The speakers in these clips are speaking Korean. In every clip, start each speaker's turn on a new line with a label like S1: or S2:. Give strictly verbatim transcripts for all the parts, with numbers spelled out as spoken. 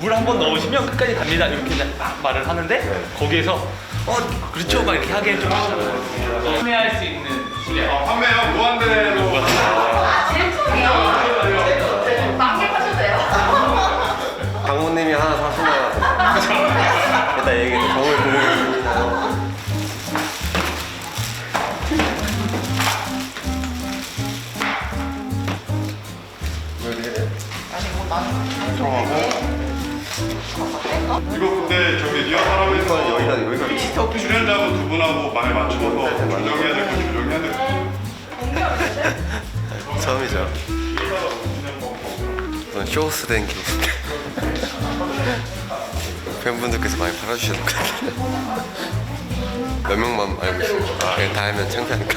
S1: 물 한 번 넣으시면 끝까지 갑니다 이렇게 이제 막 말을 하는데
S2: 네.
S1: 거기에서 어 그렇죠 막 이렇게 하기엔 좀 그렇잖아요. 판매할 수 있는 실력.
S3: 아, 판매요? 무한대로.
S4: 아, 제품이요? 만개하셔도 돼요.
S2: 장모님이 하나 사신다. 일단 얘기해. 정을 보여주시나요? 왜 이렇게 돼?
S4: 아니, 뭐 나는
S3: 들어가고. 이거 근데 저기 리허설하면서
S2: 여기가 여기가 위치
S3: 출연자분 두 분하고 말 맞춰서 조정해야 될 거 조정해야 될 거.
S2: 처음이죠. 이건 쇼스된 기술. 팬분들께서 많이 팔아주셔도 될 것 같아요. 몇 명만 알고 있어요. 그냥 다 알면 창피하니까.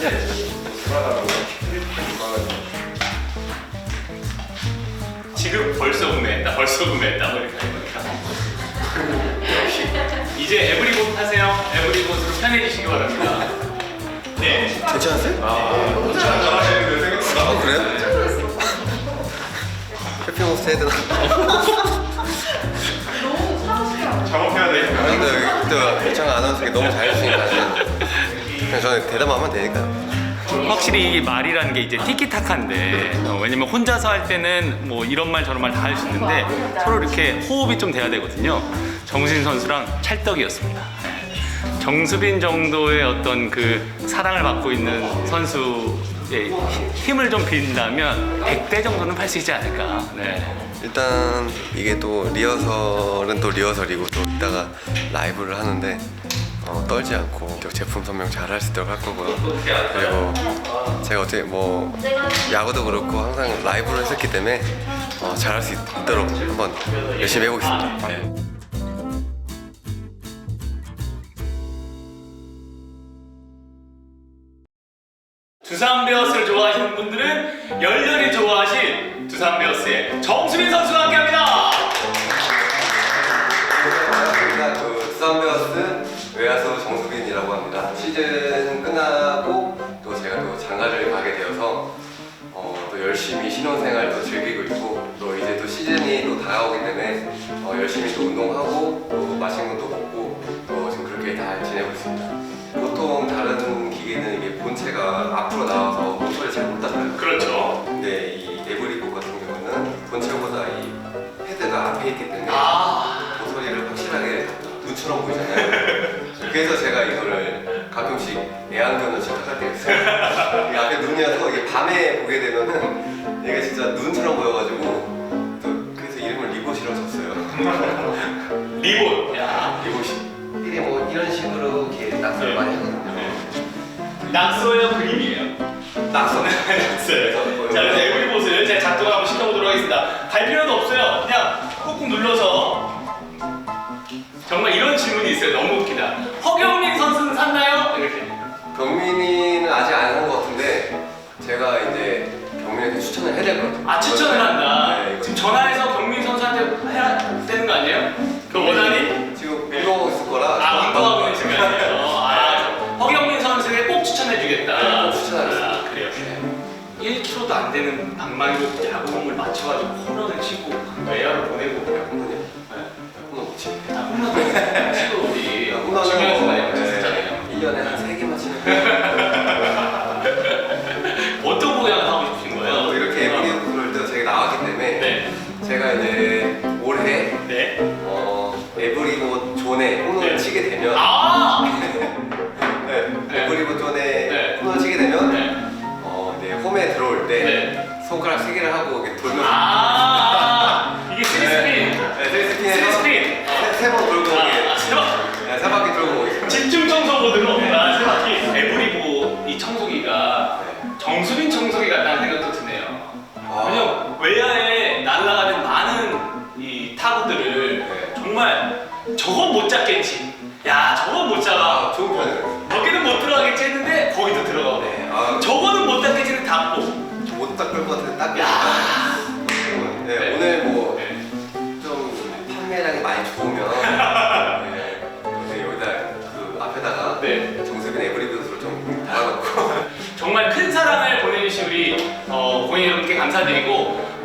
S1: 지금 벌써 구매했다 벌써 구매했다 뭐 이렇게 하니까 역시 이제 에브리봇 하세요. 에브리봇으로 편해지시기 바랍니다. 네.
S2: 괜찮으세요?
S3: 잘하시는데 생각보다.
S2: 아 그래요? 쇼핑호스트 해야 되나?
S4: 너무 사실이야.
S3: 작업해야 되니까.
S2: 근데 여기 또 일창 아나운서가 너무 잘해주시니까 그냥 저는 대답만 하면 되니까.
S1: 확실히 이게 말이라는 게 이제 티키타카인데 어, 왜냐면 혼자서 할 때는 뭐 이런 말 저런 말 다 할 수 있는데 서로 이렇게 호흡이 좀 돼야 되거든요. 정수빈 선수랑 찰떡이었습니다. 네. 정수빈 정도의 어떤 그 사랑을 받고 있는 선수의 힘을 좀 빈다면 백 대 정도는 팔 수 있지 않을까. 네.
S2: 일단 이게 또 리허설은 또 리허설이고 또 이따가 라이브를 하는데 어, 떨지 않고 또 제품 설명 잘 할 수 있도록 할 거고요. 그리고 제가 어떻게 뭐 야구도 그렇고 항상 라이브를 했었기 때문에 어, 잘할 수 있도록 한번 열심히 해보겠습니다. 네.
S1: 두산 베어스를 좋아하시는 분들은 열렬히 좋아하실 두산 베어스의 정수빈 선수와 함께합니다.
S2: 반갑습니다. 그 두산 베어스 외야수 정수빈이라고 합니다. 시즌 끝나고 또 제가 또 장가를 가게 되어서 어, 또 열심히 신혼생활도 즐기고 있고 또 이제 또 시즌이 또 다가오기 때문에 어, 열심히 또 운동하고 또 맛있는 것도 먹고 또 지금 그렇게 잘 지내고 있습니다. 보통 다른 기계는 이게 본체가 앞으로 나와서 모터를 잘 못 닫아요.
S1: 그렇죠.
S2: 근데 이 에브리봇 같은 경우는 본체보다 이 헤드가 앞에 있기 때문에
S1: 아.
S2: 모서리를 확실하게 눈처럼 보이잖아요. 그래서 제가 이거를 가끔씩 애완견을 시작할 때가 있어요. 이 앞에 눈이어서 이게 밤에 보게 되면은 얘가 진짜 눈처럼 보여가지고 또 그래서 이름을 리봇이라고 줬어요.
S1: 리봇. 야.
S2: 리봇이. 이게 뭐 이런 식으로 이렇게 낙서를 많이 하거든요.
S1: 낙서예요, 그림이에요?
S2: 낙서.
S1: 낙서예요. 자, 그래서 에브리봇을 제가 작동을 한번 시켜보도록 하겠습니다. 갈 필요도 없어요. 그냥 꾹꾹 눌러서. 정말 이런 질문이 있어요. 너무 웃기다. 허경민 선수는 샀나요? 이렇게.
S2: 경민이는 아직 안 한 것 같은데 제가 이제 경민이한테 추천을 해야 될 것 같아요.
S1: 아, 추천을 한다.
S2: 네, 이거.
S1: 지금 전화해서 경민 선수한테 해야 되는 거 아니에요? 그 원하니?
S2: 지금 운동하고 있을 거라.
S1: 아, 운동하고 있는 시간이에요. 아, 허경민 선수에게 꼭 추천해주겠다.
S2: 네, 꼭 추천하겠습니다.
S1: 아, 그래요. 일 킬로미터도 안 되는 방망이로 야구공을 맞춰가지고 홈런을 치고 외야로 보내고.
S2: 홈런이요?
S1: 네.
S2: 홈런 못 치고.
S1: 아, 홈런도 치고 우리
S2: 홈런은
S1: 중요한 순간에
S2: 뭐,
S1: 맞췄었잖아요.
S2: 일 년에 한 세 개만 치는 거예요.
S1: 어떤 모양을 하고 싶으신 거예요?
S2: 어, 이렇게 에브리봇을 제가 나왔기 때문에
S1: 네.
S2: 제가 이제 올해
S1: 네.
S2: 어, 에브리봇 존에 홈런을
S1: 네.
S2: 치게 되면
S1: 아!
S2: 네,
S1: 네.
S2: 에브리봇 존에
S1: 네.
S2: 홈런을 치게 되면
S1: 네.
S2: 어, 네, 홈에 들어올 때
S1: 네.
S2: 손가락 세 개를 하고 이렇게 돌면서
S1: 아! 이게 쓰리 스핀.
S2: 네, 쓰리
S1: 쓰리
S2: 스핀에서
S1: 스핀.
S2: 세번 돌고 오게.
S1: 아, 세 번.
S2: 네, 세 바퀴 돌고 오겠습니다.
S1: 집중 청소 모드로 아, 세 바퀴. 에브리봇 이 청소기가
S2: 네.
S1: 정수빈 청소기 같다는 생각도 드네요.
S2: 아.
S1: 왜냐면 외야에 날아가는 많은 이 타구들을
S2: 네.
S1: 정말 저건 못 잡겠지. 야, 저건 못 잡아.
S2: 아, 좋은 편이에요.
S1: 여기는 못 들어가겠지 했는데 거기도 들어가고.
S2: 네, 아,
S1: 저거는 못 잡겠지는 닫고.
S2: 못 닦을 것 같은데 닦을
S1: 야.
S2: 네,
S1: 네.
S2: 오늘 뭐
S1: 네.
S2: 좀 판매량이 많이 좋으면 네, 네, 여기다 그 앞에다가
S1: 네.
S2: 정수빈 에브리봇으로 좀 달아놓고
S1: 정말 큰 사랑을 보내주신 우리 어, 고객 여러분께 감사드리고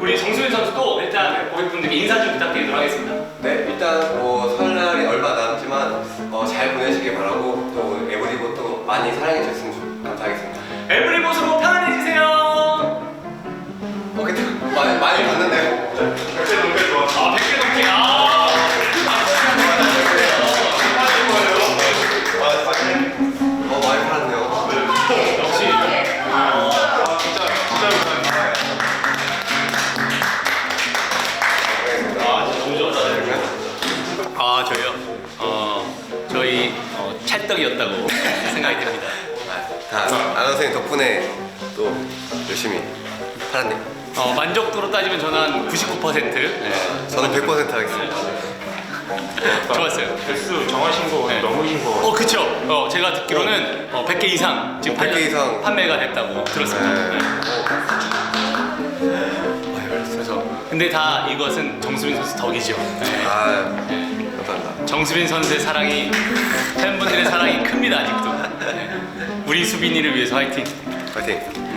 S1: 우리 정수빈 선수도 일단 고객분들께 인사 좀 부탁드리도록 하겠습니다.
S2: 네, 일단 뭐 설날이 얼마 남았지만 어, 잘 보내시길 바라고 또 에브리고 또 많이 사랑해 주셨으면 좋- 감사하겠습니다.
S1: 에브리봇으로 편안해지세요.
S2: 어, 그때 많이 많이 봤는데요.
S3: 백세 넘게 좋아.
S1: 아, 백 개 넘게. 아,
S2: 어, 많이 팔았네요.
S1: 역시.
S3: 아, 진짜, 진짜 감사합니다.
S1: 아, 진짜 너무 좋았다. 아, 저희요? 어, 저희 어, 찰떡이었다고 생각이 듭니다.
S2: 다 아나운서님 덕분에 또 열심히 팔았네요.
S1: 어, 만족도로 따지면 저는 한 구십구 퍼센트. 네.
S2: 저는 백 퍼센트 하겠습니다.
S1: 좋았어요.
S3: 개수 정하신 거
S1: 네.
S3: 넘으신 거.
S1: 어, 그쵸. 어, 제가 듣기로는 어, 백 개 이상 지금
S2: 백 개
S1: 판매-
S2: 이상.
S1: 판매가 됐다고 들었습니다.
S2: 네.
S1: 네. 그래서 근데 다 이것은 정수빈 선수 덕이죠. 네.
S2: 아,
S1: 네.
S2: 감사합니다.
S1: 정수빈 선수의 사랑이 팬분들의 사랑이 큽니다 아직도. 네. 우리 수빈이를 위해서 화이팅.
S2: 파이팅.